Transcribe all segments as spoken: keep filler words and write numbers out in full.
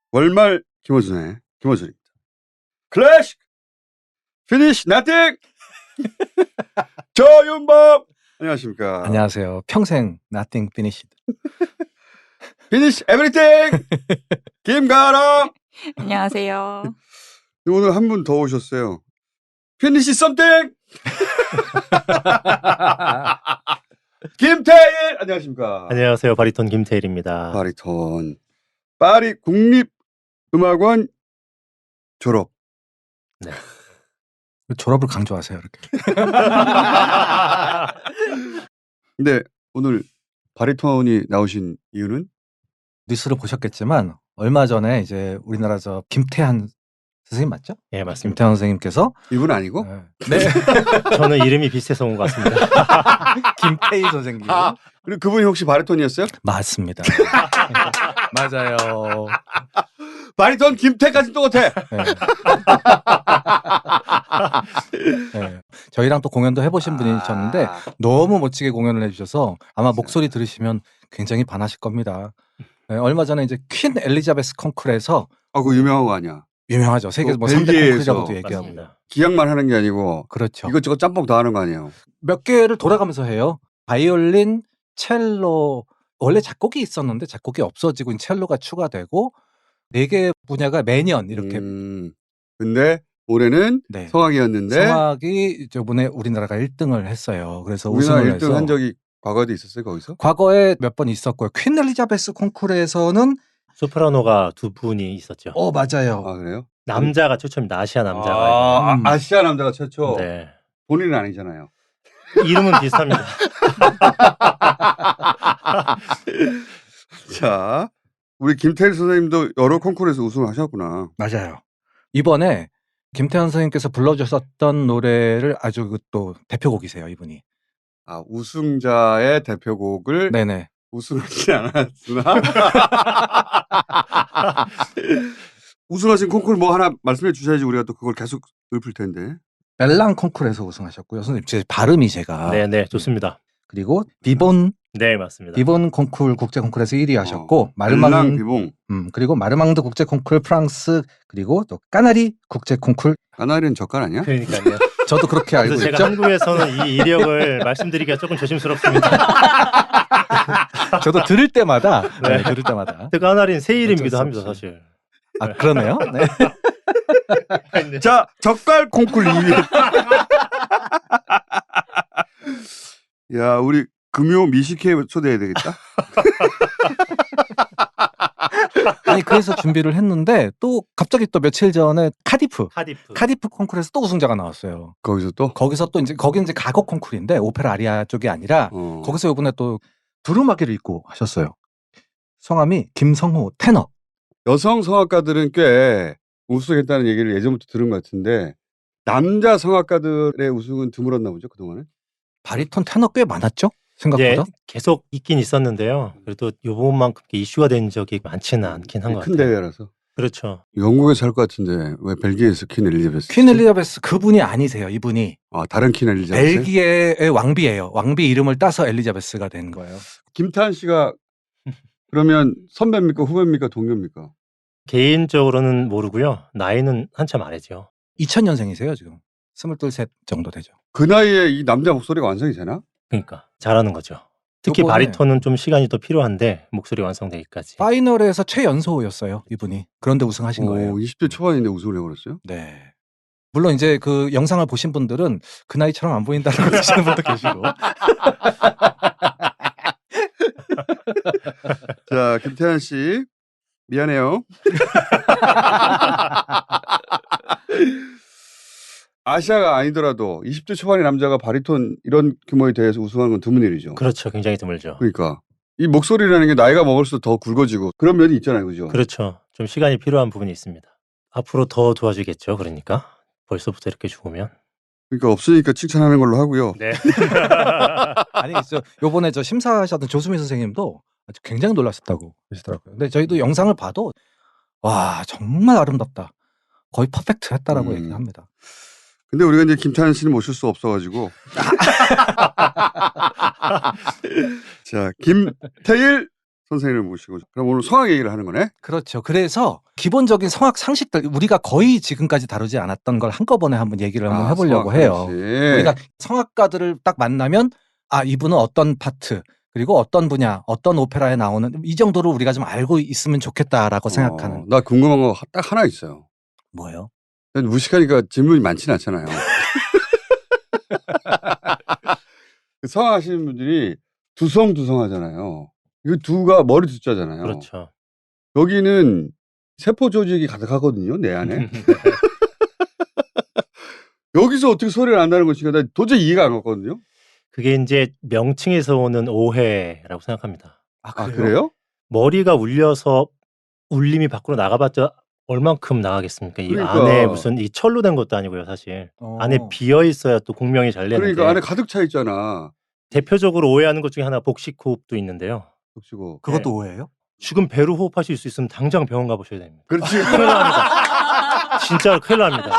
월말 김어준의 김어준입니다. 클래식 피니시 나띵 조윤범 안녕하십니까. 안녕하세요. 평생 nothing finished. 피니시 에브리띵 김가람 안녕하세요. 오늘 한 분 더 오셨어요. 피니시 썸띵 김태일 안녕하십니까. 안녕하세요. 바리톤 김태일입니다. 바리톤 파리 국립음악원 졸업. 네. 졸업을 강조하세요, 이렇게. 근데 오늘 바리톤이 나오신 이유는? 뉴스를 보셨겠지만 얼마 전에 이제 우리나라 저 김태한 선생님 맞죠? 예, 맞습니다. 김태한 선생님께서 이분 아니고? 네. 저는 이름이 비슷해서 온 것 같습니다. 김태희 선생님. 아, 그리고 그분이 혹시 바리톤이었어요? 맞습니다. 맞아요. 바리톤 김태까지 똑같아. 네. 네. 저희랑 또 공연도 해보신 분이셨는데 아, 너무 멋지게 공연을 해주셔서 아마 목소리 들으시면 굉장히 반하실 겁니다. 네, 얼마 전에 이제 퀸 엘리자베스 콩쿨에서 아, 그거 유명한 거 아니야? 유명하죠. 세계 뭐 또 삼 대 벨기에에서. 콩쿨이라고도 얘기하고. 맞습니다. 기약만 하는 게 아니고 그렇죠. 이것저것 짬뽕 다 하는 거 아니에요? 몇 개를 돌아가면서 해요. 바이올린, 첼로, 원래 작곡이 있었는데 작곡이 없어지고 첼로가 추가되고 네 개 분야가 매년 이렇게 음, 근데 올해는 네. 성악이었는데 성악이 저번에 우리나라가 일 등을 했어요. 그래서 우리나라 우승을 일 등 해서 한 적이 과거에도 있었어요, 거기서? 과거에 몇 번 있었고요. 퀸 엘리자베스 콩쿨에서는 소프라노가 두 분이 있었죠. 어 맞아요. 아, 그래요? 남자가 최초입니다. 아시아 남자가. 아, 음. 아, 아시아 남자가 최초. 네. 본인은 아니잖아요. 이름은 비슷합니다. 자, 우리 김태일 선생님도 여러 콩쿠르에서 우승하셨구나. 맞아요. 이번에 김태현 선생님께서 불러주셨던 노래를 아주 또 대표곡이세요, 이분이. 아, 우승자의 대표곡을 네네. 우승하지 않았으나 우승하신 콩쿠르 뭐 하나 말씀해 주셔야지 우리가 또 그걸 계속 읊을 텐데. 멜랑 콩쿨에서 우승하셨고요. 선생님, 제 발음이 제가. 네, 네, 좋습니다. 그리고 비본 네, 맞습니다. 비본 콩쿨 국제 콩쿨에서 일 위 하셨고 어, 마르망 멜랑 비봉. 음, 그리고 마르망드 국제 콩쿨 프랑스 그리고 또 까나리 국제 콩쿨 까나리는 젓갈 아니야? 그러니까요. 저도 그렇게 알고 그래서 있죠. 제가 한국에서는 이 이력을 말씀드리기가 조금 조심스럽습니다. 저도 들을 때마다 네. 네. 들을 때마다 뜨가나린 새 이름이기도 어쩔 수 합니다, 없이. 사실. 아 그러네요. 네. 자, 젓갈 콩쿨 이 위. 야, 우리 금요 미식회 초대해야 되겠다. 아니 그래서 준비를 했는데 또 갑자기 또 며칠 전에 카디프 카디프. 카디프 콩쿨에서 또 우승자가 나왔어요. 거기서 또? 거기서 또 이제 거기는 이제 가곡 콩쿨인데 오페라 아리아 쪽이 아니라 어. 거기서 이번에 또 두루마기를 입고 하셨어요. 성함이 김성호 테너. 여성 성악가들은 꽤 우승했다는 얘기를 예전부터 들은 것 같은데 남자 성악가들의 우승은 드물었나 보죠, 그동안은? 바리톤 테너 꽤 많았죠? 예, 생각보다. 계속 있긴 있었는데요. 그래도 요번만큼 이슈가 된 적이 많지는 않긴 한 것 큰 같아요. 대회라서. 그렇죠. 영국에서 할 것 같은데 왜 벨기에에서 퀸 엘리자베스? 퀸 엘리자베스 그분이 아니세요. 이분이 아, 다른 퀸 엘리자베스? 벨기에의 왕비예요. 왕비 이름을 따서 엘리자베스가 된 거예요. 김태한 씨가 그러면 선배입니까, 후배입니까, 동료입니까? 개인적으로는 모르고요. 나이는 한참 아래죠. 이천 년생이세요 지금. 스물둘 셋 정도 되죠. 그 나이에 이 남자 목소리가 완성이 되나? 그러니까 잘하는 거죠. 특히 요번에- 바리톤은 좀 시간이 더 필요한데 목소리 완성되기까지. 파이널에서 최연소였어요 이분이. 그런데 우승하신 거예요. 오, 이십 대 초반인데 우승을 해버렸어요? 네. 물론 이제 그 영상을 보신 분들은 그 나이처럼 안 보인다라고 하시는 분도 계시고. 자, 김태한 씨 미안해요. 아시아가 아니더라도 이십 대 초반의 남자가 바리톤 이런 규모의 대회에서 우승하는 건 드문 일이죠. 그렇죠. 굉장히 드물죠. 그러니까 이 목소리라는 게 나이가 먹을수록 더 굵어지고 그런 면이 있잖아요, 그죠? 그렇죠. 좀 시간이 필요한 부분이 있습니다. 앞으로 더 도와주겠죠. 그러니까 벌써부터 이렇게 죽으면. 그러니까 없으니까 칭찬하는 걸로 하고요. 네. 아니 저 요번에 저 심사하셨던 조수미 선생님도 아주 굉장히 놀라셨다고 하시더라고요. 근데 저희도 영상을 봐도 와 정말 아름답다. 거의 퍼펙트했다라고 음. 얘기합니다. 근데 우리가 이제 김태한 씨는 모실 수 없어가지고. 자, 김태일 선생님을 모시고 그럼 오늘 성악 얘기를 하는 거네. 그렇죠. 그래서 기본적인 성악 상식들 우리가 거의 지금까지 다루지 않았던 걸 한꺼번에 한번 얘기를 한번 아, 해보려고 성악 해요. 그렇지. 우리가 성악가들을 딱 만나면 아 이분은 어떤 파트 그리고 어떤 분야 어떤 오페라에 나오는 이 정도로 우리가 좀 알고 있으면 좋겠다라고 어, 생각하는. 나 궁금한 거 딱 하나 있어요. 뭐예요? 무식하니까 질문이 많지는 않잖아요. 성악하시는 분들이 두성두성하잖아요. 이거 두가 머리 두자잖아요. 그렇죠. 여기는 세포 조직이 가득하거든요, 내 안에. 여기서 어떻게 소리를 낸다는 것인가 나 도저히 이해가 안 갔거든요. 그게 이제 명칭에서 오는 오해라고 생각합니다. 아 아 그래요? 그래요? 머리가 울려서 울림이 밖으로 나가봤자 얼만큼 나가겠습니까? 이 그러니까. 안에 무슨 이 철로 된 것도 아니고요, 사실. 어. 안에 비어 있어야 또 공명이 잘 내는데. 그러니까 안에 가득 차 있잖아. 대표적으로 오해하는 것 중에 하나 복식 호흡도 있는데요. 겹치고. 그것도 오해예요? 지금 배로 호흡하실 수 있으면 당장 병원 가보셔야 됩니다. 그렇지. 큰일 납니다. 진짜로 큰일 납니다.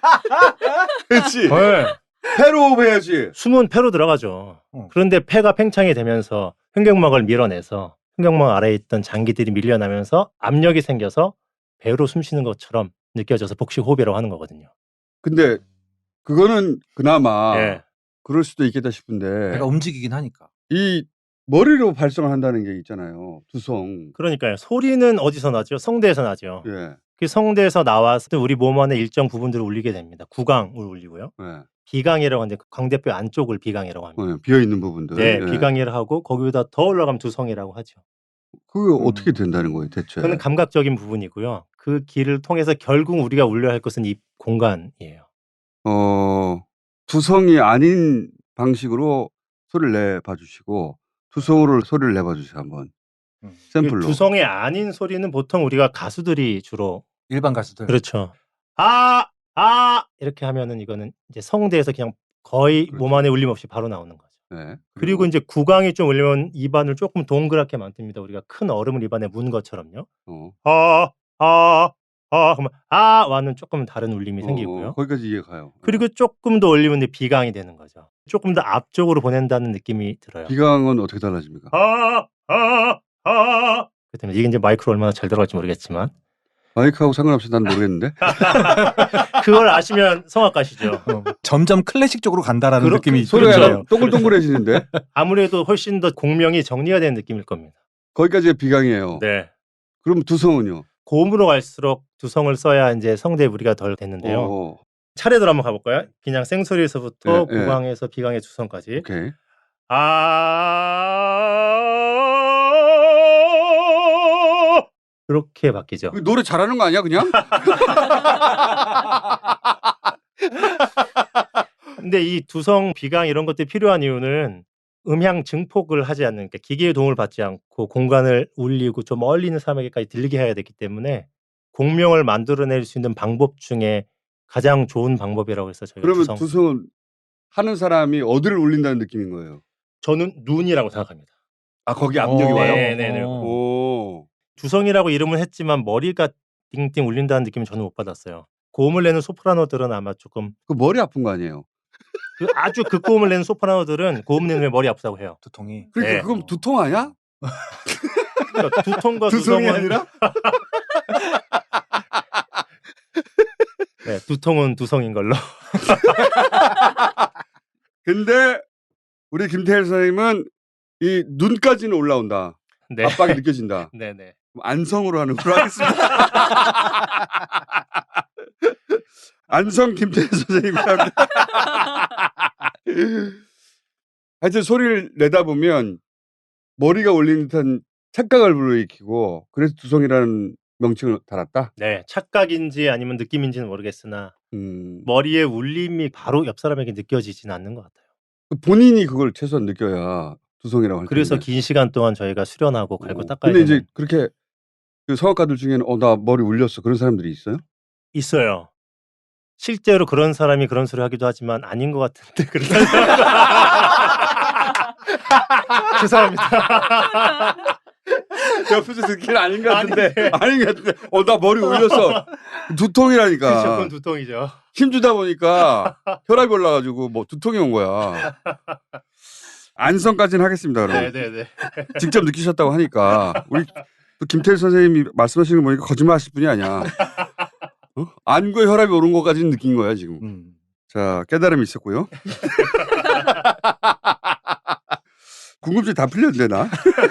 그렇지. 네. 폐로 호흡해야지. 숨은 폐로 들어가죠. 어. 그런데 폐가 팽창이 되면서 횡격막을 밀어내서 횡격막 아래에 있던 장기들이 밀려나면서 압력이 생겨서 배로 숨 쉬는 것처럼 느껴져서 복식 호흡이라고 하는 거거든요. 근데 그거는 그나마 예. 그럴 수도 있겠다 싶은데 내가 움직이긴 하니까. 이 머리로 발성을 한다는 게 있잖아요. 두성. 그러니까요. 소리는 어디서 나죠? 성대에서 나죠. 예. 그 성대에서 나와서 우리 몸 안에 일정 부분들을 울리게 됩니다. 구강을 울리고요. 예. 비강이라고 하는데 광대뼈 안쪽을 비강이라고 합니다. 어, 비어 있는 부분들. 네, 예. 비강이라 하고 거기보다 더 올라가면 두성이라고 하죠. 그게 음. 어떻게 된다는 거예요, 대체? 그건 감각적인 부분이고요. 그 길을 통해서 결국 우리가 울려야 할 것은 이 공간이에요. 어, 두성이 아닌 방식으로 소리를 내봐 주시고 두성으로 소리를 내봐 주세요, 한번. 음. 샘플로. 그 두성이 아닌 소리는 보통 우리가 가수들이 주로 일반 가수들. 그렇죠. 아, 아 이렇게 하면은 이거는 이제 성대에서 그냥 거의 그렇죠. 몸 안에 울림 없이 바로 나오는 거죠. 네. 그리고 이제 구강이 좀 울리면 입안을 조금 동그랗게 만듭니다. 우리가 큰 얼음을 입안에 문 것처럼요. 어. 아, 아, 아, 그러면 아와는 조금 다른 울림이 어, 생기고요. 어, 거기까지 이해 가요. 그리고 조금 더 올리면 이제 비강이 되는 거죠. 조금 더 앞쪽으로 보낸다는 느낌이 들어요. 비강은 어떻게 달라집니까? 아, 아, 아. 그렇다면 이게 이제 마이크로 얼마나 잘 들어갈지 모르겠지만 마이크하고 상관없이 난 모르겠는데. 그걸 아시면 성악가시죠. 어, 점점 클래식 쪽으로 간다라는 그렇- 느낌이 소리가 들어요. 약간 동글동글해지는데. 아무래도 훨씬 더 공명이 정리가 되는 느낌일 겁니다. 거기까지가 비강이에요. 네. 그럼 두성은요? 고음으로 갈수록 두성을 써야 이제 성대에 무리가 덜 됐는데요. 어, 차례대로 한번 가볼까요? 그냥 생소리에서부터 예, 예. 구강에서 비강의 두성까지. 오케이. 아 이렇게 바뀌죠. 그 노래 잘하는 거 아니야, 그냥? 근데 이 두성, 비강 이런 것들이 필요한 이유는 음향 증폭을 하지 않는, 그러니까 기계의 도움을 받지 않고 공간을 울리고 좀 멀리 있는 사람에게까지 들리게 해야 되기 때문에 공명을 만들어낼 수 있는 방법 중에 가장 좋은 방법이라고 해서 저희가 그러면 두성, 두성은 하는 사람이 어디를 울린다는 느낌인 거예요? 저는 눈이라고 생각합니다. 아, 거기 압력이 어, 와요? 네, 네, 네. 어. 오. 두성이라고 이름은 했지만 머리가 띵띵 울린다는 느낌은 저는 못 받았어요. 고음을 내는 소프라노들은 아마 조금 그 머리 아픈 거 아니에요? 그 아주 극고음을 내는 소프라노들은 고음 내는 게 머리 아프다고 해요. 두통이. 그러니까 네. 그건 두통 아니야? 그러니까 두통과 두성이 두성은 아니라? 네, 두통은 두성인 걸로. 근데 우리 김태일 선생님은 이 눈까지는 올라온다. 네. 압박이 느껴진다. 네, 네. 그럼 안성으로 하는 걸로 하겠습니다. 안성 김태일 선생님과 함께. 하여튼 소리를 내다 보면 머리가 올리는 듯한 착각을 불러일으키고 그래서 두성이라는 명칭을 달았다. 네, 착각인지 아니면 느낌인지는 모르겠으나 음, 머리에 울림이 바로 옆 사람에게 느껴지지는 않는 것 같아요. 본인이 그걸 최소한 느껴야 두성이라고 할 그래서 텐데. 긴 시간 동안 저희가 수련하고 갈고 어, 닦아야 근데 되는 이제 그렇게 그 성악가들 중에는 어 나 머리 울렸어 그런 사람들이 있어요? 있어요. 실제로 그런 사람이 그런 소리 하기도 하지만 아닌 것 같은데 그런 사람. 죄송합니다. 옆에서 듣기는 아닌 것 같은데 아닌데. 아닌 것 같은데 어 나 머리 울렸어 두통이라니까 그렇죠, 그건 두통이죠. 힘주다 보니까 혈압이 올라가지고 뭐 두통이 온 거야. 안성까지는 하겠습니다. 그럼 네네네. 직접 느끼셨다고 하니까 우리 또 김태일 선생님이 말씀하시는 거 보니까 거짓말하실 분이 아니야. 어? 안구에 혈압이 오른 것까지는 느낀 거야 지금. 음. 자 깨달음이 있었고요. 궁금증이 다 풀렸는데 나.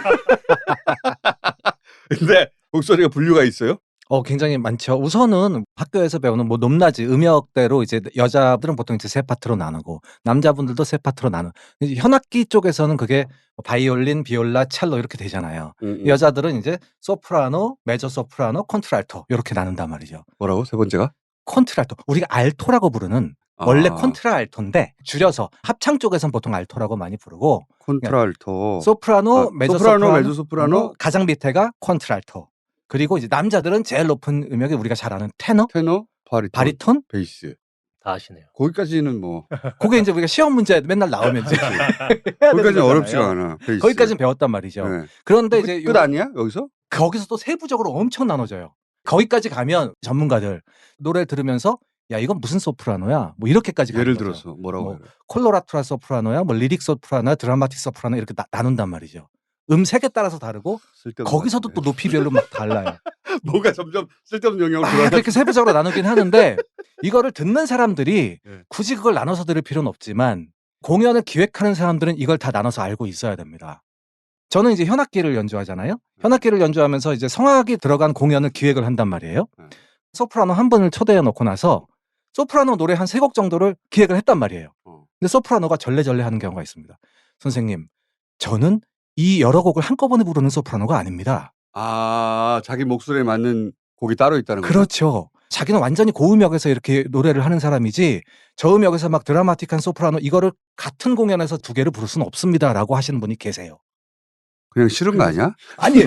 근데 목소리가 분류가 있어요? 어 굉장히 많죠. 우선은 학교에서 배우는 뭐 높낮이 음역대로 이제 여자들은 보통 이제 세 파트로 나누고 남자분들도 세 파트로 나누. 이제 현악기 쪽에서는 그게 바이올린, 비올라, 첼로 이렇게 되잖아요. 음, 음. 여자들은 이제 소프라노, 메조 소프라노, 콘트랄토 이렇게 나눈단 말이죠. 뭐라고 세 번째가? 콘트랄토. 우리가 알토라고 부르는 원래 아, 콘트라알토인데 줄여서 합창 쪽에서는 보통 알토라고 많이 부르고 콘트랄토. 소프라노, 아, 메조 소프라노, 소프라노, 메조 소프라노, 가장 밑에가 콘트랄토. 그리고 이제 남자들은 제일 높은 음역이 우리가 잘 아는 테너, 테너, 바리톤, 바리톤. 베이스. 다 아시네요. 거기까지는 뭐 그게 이제 우리가 시험 문제 맨날 나오면 이제 해야 거기까지는 되는 어렵지가 거잖아요. 않아. 베이스. 거기까지는 배웠단 말이죠. 네. 그런데 끝, 이제 끝 요- 아니야 여기서? 거기서 또 세부적으로 엄청 나눠져요. 거기까지 가면 전문가들 노래 들으면서 야 이건 무슨 소프라노야? 뭐 이렇게까지 가는 예를 거죠. 들어서 뭐라고 뭐, 해요? 콜로라투라 소프라노야, 뭐 리릭 소프라노야, 드라마틱 소프라노 이렇게 나, 나눈단 말이죠. 음색에 따라서 다르고 쓸데없는 거기서도 것 또 같은데. 높이별로 막 달라요. 뭐가 점점 쓸데없는 영역으로 막 들어가. 그렇게 세부적으로 나누긴 하는데 이거를 듣는 사람들이 네. 굳이 그걸 나눠서 들을 필요는 없지만 공연을 기획하는 사람들은 이걸 다 나눠서 알고 있어야 됩니다. 저는 이제 현악기를 연주하잖아요. 현악기를 연주하면서 이제 성악이 들어간 공연을 기획을 한단 말이에요. 네. 소프라노 한 분을 초대해 놓고 나서 소프라노 노래 한 세 곡 정도를 기획을 했단 말이에요. 어. 근데 소프라노가 절레절레 하는 경우가 있습니다. 선생님, 저는 이 여러 곡을 한꺼번에 부르는 소프라노가 아닙니다. 아 자기 목소리에 맞는 곡이 따로 있다는 거죠. 그렇죠. 자기는 완전히 고음역에서 이렇게 노래를 하는 사람이지 저음역에서 막 드라마틱한 소프라노 이거를 같은 공연에서 두 개를 부를 수는 없습니다라고 하시는 분이 계세요. 그냥 싫은 거 아니야? 아니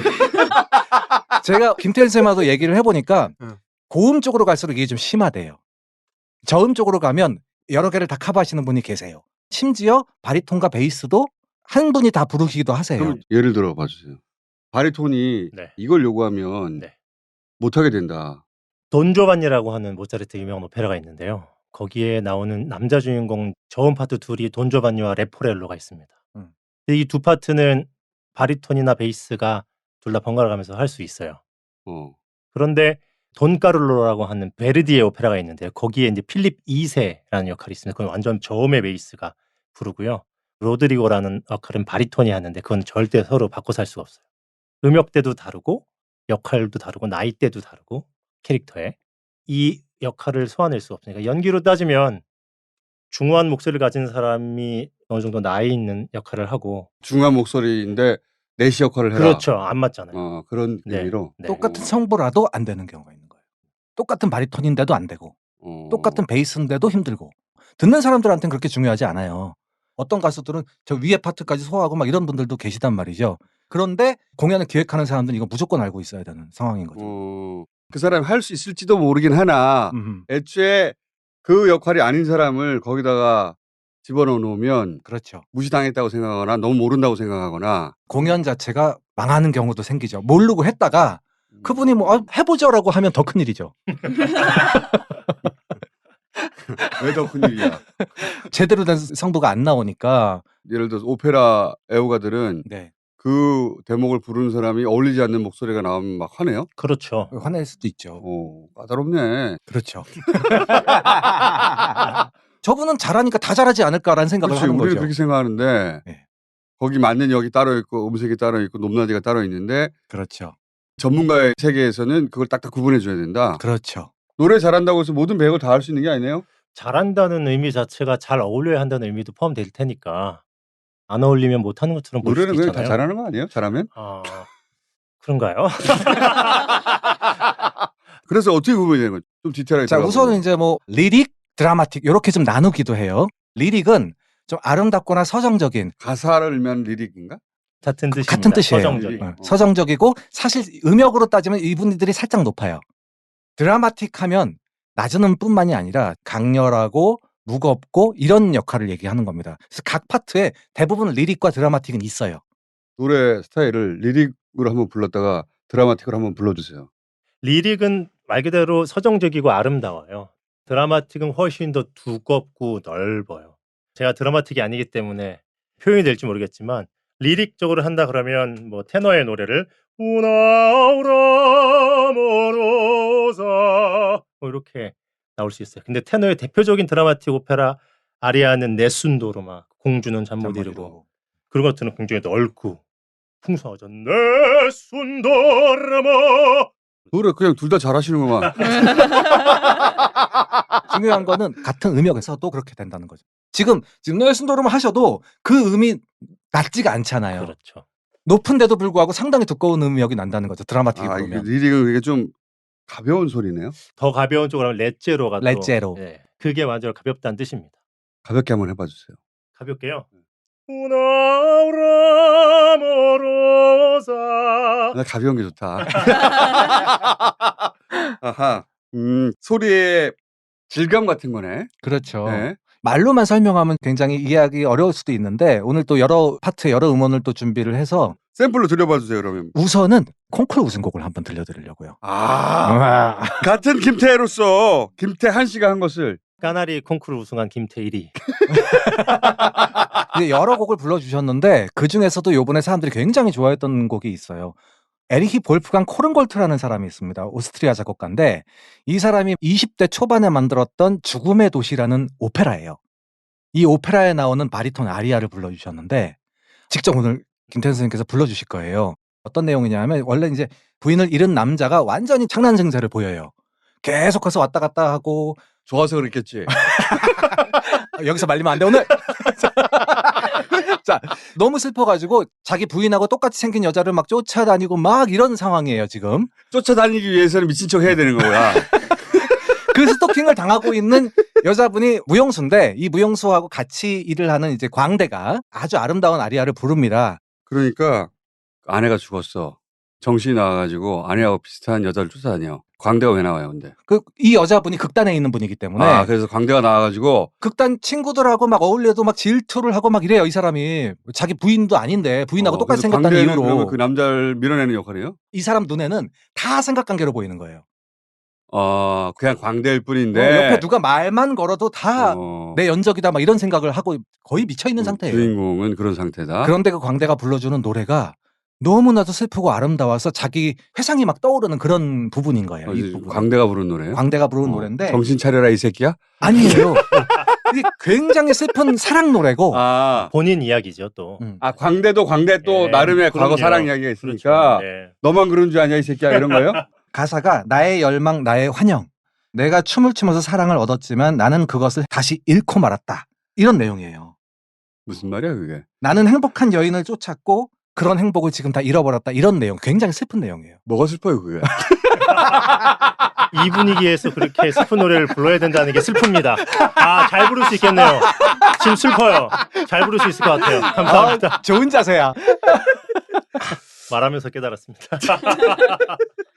제가 김태일 쌤하고 얘기를 해보니까 응. 고음 쪽으로 갈수록 이게 좀 심하대요. 저음 쪽으로 가면 여러 개를 다 커버하시는 분이 계세요. 심지어 바리톤과 베이스도 한 분이 다 부르기도 하세요. 그럼 예를 들어 봐주세요. 바리톤이 네. 이걸 요구하면 네. 못하게 된다. 돈조반니라고 하는 모차르트 유명한 오페라가 있는데요. 거기에 나오는 남자 주인공 저음 파트 둘이 돈조반니와 레포렐로가 있습니다. 음. 이 두 파트는 바리톤이나 베이스가 둘 다 번갈아 가면서 할 수 있어요. 어. 그런데 돈까룰로라고 하는 베르디의 오페라가 있는데요. 거기에 이제 필립 이 세라는 역할이 있습니다. 그건 완전 저음의 베이스가 부르고요. 로드리고라는 역할은 바리톤이 하는데 그건 절대 서로 바꿔 살 수가 없어요. 음역대도 다르고 역할도 다르고 나이대도 다르고 캐릭터에 이 역할을 소화낼 수 없으니까 연기로 따지면 중후한 목소리를 가진 사람이 어느 정도 나이 있는 역할을 하고 중요한 목소리인데 내시 역할을 해라. 그렇죠. 안 맞잖아요. 어, 그런 네. 의미로. 네. 똑같은 어. 성보라도 안 되는 경우가 있는 거예요. 똑같은 바리톤인데도 안 되고 어. 똑같은 베이스인데도 힘들고 듣는 사람들한테는 그렇게 중요하지 않아요. 어떤 가수들은 저 위에 파트까지 소화하고 막 이런 분들도 계시단 말이죠. 그런데 공연을 기획하는 사람들은 이거 무조건 알고 있어야 되는 상황인 거죠. 어. 그 사람이 할 수 있을지도 모르긴 하나 음, 애초에 그 역할이 아닌 사람을 거기다가 집어넣어 놓으면 그렇죠. 무시당했다고 생각하거나 너무 모른다고 생각하거나 공연 자체가 망하는 경우도 생기죠. 모르고 했다가 그분이 뭐 아, 해보죠라고 하면 더 큰일이죠. 왜 더 큰일이야. 제대로 된 성부가 안 나오니까. 예를 들어서 오페라 애호가들은 네. 그 대목을 부르는 사람이 어울리지 않는 목소리가 나오면 막 화내요? 그렇죠. 화낼 수도 있죠. 어, 까다롭네. 그렇죠. 저분은 잘하니까 다 잘하지 않을까라는 생각을 그렇지. 하는 우리는 거죠. 그렇게 생각하는데 네. 거기 맞는 역이 따로 있고 음색이 따로 있고 높낮이가 따로 있는데 그렇죠. 전문가의 세계에서는 그걸 딱딱 구분해 줘야 된다. 그렇죠. 노래 잘한다고 해서 모든 배역을 다 할 수 있는 게 아니네요. 잘한다는 의미 자체가 잘 어울려야 한다는 의미도 포함될 테니까 안 어울리면 못하는 것처럼 보일 노래는 수도 그냥 있잖아요. 다 잘하는 거 아니에요? 잘하면? 아, 그런가요? 그래서 어떻게 구분이 되는 거죠? 좀 디테일하게 자, 들어가 우선은 보면. 이제 뭐 리릭, 드라마틱 이렇게 좀 나누기도 해요. 리릭은 좀 아름답거나 서정적인 가사를 읽으면 리릭인가? 같은 뜻입니다. 같은 뜻이에요. 서정적인. 어. 어, 서정적이고 사실 음역으로 따지면 이분들이 살짝 높아요. 드라마틱하면 낮은 음뿐만이 아니라 강렬하고 무겁고 이런 역할을 얘기하는 겁니다. 그래서 각 파트에 대부분 리릭과 드라마틱은 있어요. 노래 스타일을 리릭으로 한번 불렀다가 드라마틱으로 한번 불러주세요. 리릭은 말 그대로 서정적이고 아름다워요. 드라마틱은 훨씬 더 두껍고 넓어요. 제가 드라마틱이 아니기 때문에 표현이 될지 모르겠지만 리릭적으로 한다 그러면 뭐 테너의 노래를 우나우라 모로사 뭐 이렇게 나올 수 있어요. 근데 테너의 대표적인 드라마틱 오페라 아리아는 네순도르마 공주는 잠 못 이루고 그런 것들은 굉장히 넓고 풍성하죠. 네순도르마 그래 그냥 둘 다 잘하시는구만. 중요한 거는 같은 음역에서도 그렇게 된다는 거죠. 지금 지금 넬슨도르마 하셔도 그 음이 낮지가 않잖아요. 그렇죠. 높은데도 불구하고 상당히 두꺼운 음역이 난다는 거죠. 드라마틱이 아, 이게 부르면. 리릭은 이게 좀 가벼운 소리네요. 더 가벼운 쪽으로 하면 레제로가 또 레제로. 예, 그게 완전 가볍다는 뜻입니다. 가볍게 한번 해봐 주세요. 가볍게요. 우나우라 모로사 나 가벼운 게 좋다. 아하. 음, 소리의 질감 같은 거네. 그렇죠. 네. 말로만 설명하면 굉장히 이해하기 어려울 수도 있는데 오늘 또 여러 파트 여러 음원을 또 준비를 해서 샘플로 들려봐 주세요, 그러면. 우선은 콩쿠르 우승곡을 한번 들려드리려고요. 아. 같은 김태로서 김태한 씨가 한 것을 까나리 콩쿠르 우승한 김태일이 이제 여러 곡을 불러주셨는데 그 중에서도 요번에 사람들이 굉장히 좋아했던 곡이 있어요. 에리히 볼프강 코른골트라는 사람이 있습니다. 오스트리아 작곡가인데 이 사람이 이십 대 초반에 만들었던 죽음의 도시라는 오페라예요. 이 오페라에 나오는 바리톤 아리아를 불러주셨는데 직접 오늘 김태현 선생님께서 불러주실 거예요. 어떤 내용이냐면 원래 이제 부인을 잃은 남자가 완전히 창난 증세를 보여요. 계속해서 왔다 갔다 하고 좋아서 그랬겠지. 여기서 말리면 안 돼 오늘. 자, 너무 슬퍼가지고 자기 부인하고 똑같이 생긴 여자를 막 쫓아다니고 막 이런 상황이에요 지금. 쫓아다니기 위해서는 미친 척 해야 되는 거야. 그 스토킹을 당하고 있는 여자분이 무용수인데 이 무용수하고 같이 일을 하는 이제 광대가 아주 아름다운 아리아를 부릅니다. 그러니까 아내가 죽었어. 정신이 나와가지고 아내하고 비슷한 여자를 쫓아다녀. 광대가 왜 나와요, 근데? 그 이 여자분이 극단에 있는 분이기 때문에 아, 그래서 광대가 나와가지고 극단 친구들하고 막 어울려도 막 질투를 하고 막 이래요 이 사람이. 자기 부인도 아닌데 부인하고 어, 똑같이 그래서 생겼다는 광대는 이유로 그러면 그 남자를 밀어내는 역할이에요? 이 사람 눈에는 다 삼각관계로 보이는 거예요. 어, 그냥 광대일 뿐인데. 어, 옆에 누가 말만 걸어도 다 어, 내 연적이다 막 이런 생각을 하고 거의 미쳐 있는 그 상태예요. 주인공은 그런 상태다. 그런데 그 광대가 불러주는 노래가 너무나도 슬프고 아름다워서 자기 회상이 막 떠오르는 그런 부분인 거예요. 어, 이 이제 부분. 광대가 부른 노래예요? 광대가 부르는 어, 노래인데 정신 차려라 이 새끼야? 아니에요. 이게 굉장히 슬픈 사랑 노래고. 아, 본인 이야기죠 또. 음. 아 광대도 광대 또 예, 나름의 과거 그럼요. 사랑 이야기가 있으니까 그렇죠. 예. 너만 그런 줄 아냐 이 새끼야 이런 거예요? 가사가 나의 열망 나의 환영. 내가 춤을 추면서 사랑을 얻었지만 나는 그것을 다시 잃고 말았다. 이런 내용이에요. 무슨 말이야 그게? 나는 행복한 여인을 쫓았고 그런 행복을 지금 다 잃어버렸다. 이런 내용. 굉장히 슬픈 내용이에요. 뭐가 슬퍼요 그게? 이 분위기에서 그렇게 슬픈 노래를 불러야 된다는 게 슬픕니다. 아, 잘 부를 수 있겠네요. 지금 슬퍼요. 잘 부를 수 있을 것 같아요. 감사합니다. 좋은 자세야. 말하면서 깨달았습니다.